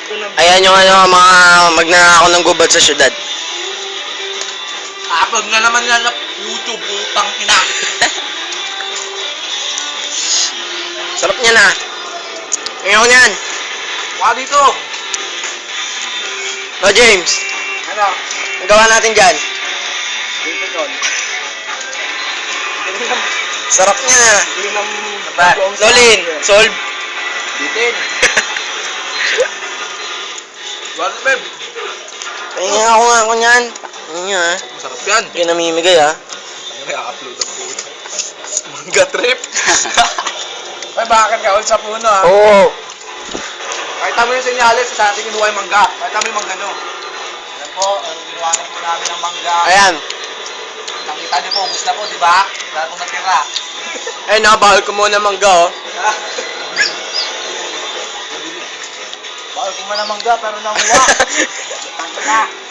Ayan yung ano, mga magnanakaw ng gubat sa syudad. Upload na naman yan sa YouTube, putang ina. Sarap niya na. Ngayon yan. Wala dito. No, James. Ano? Ang gawa natin dyan. Dito doon. Sarap niya na. Hindi nam... Lolin, solve. Bitin. Wala, babe. Pahinga ako niyan. Pahinga ha. Masarap yan. Hindi ka namimigay ha. Ano kaya upload ang puto? Manga trip. Ay, bakit ka ulit sa puno ha? Oo. Kahit namin yung senyales sa ating kinuha yung mangga. Kahit namin yung mangga no. Ayan po, ang ginawa na po namin ng mangga. Ayan. Nakita niyo po, ubus na po, di ba? Wala pong natira. Ay, nakabahal ko muna mangga oh. Bawal ko man ang mangga, pero nanguha. Tangka na.